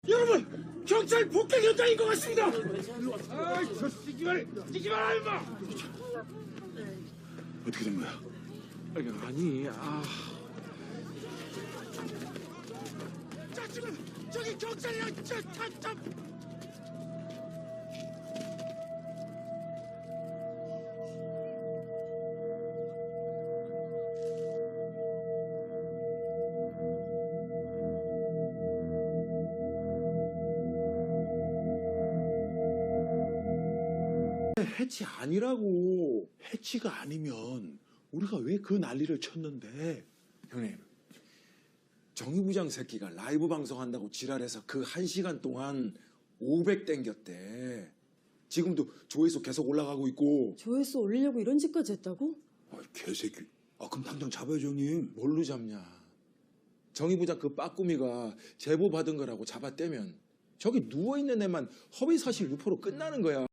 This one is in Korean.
여러분, 경찰 폭행 현장인 것 같습니다. 아이, 저 뛰지 마라, 임마. 어떻게 된 거야? 아니, 자, 지금 저기 경찰이야. 해치 아니라고. 해치가 아니면 우리가 왜 그 난리를 쳤는데? 형님, 정의 부장 새끼가 라이브 방송한다고 지랄해서 그 1시간 동안 500 땡겼대. 지금도 조회수 계속 올라가고 있고. 조회수 올리려고 이런 짓까지 했다고? 아, 개새끼. 아, 그럼 당장 잡아야죠, 형님. 뭘로 잡냐? 정의 부장 그 빠꾸미가 제보 받은 거라고 잡아떼면 저기 누워있는 애만 허위사실 유포로 끝나는 거야.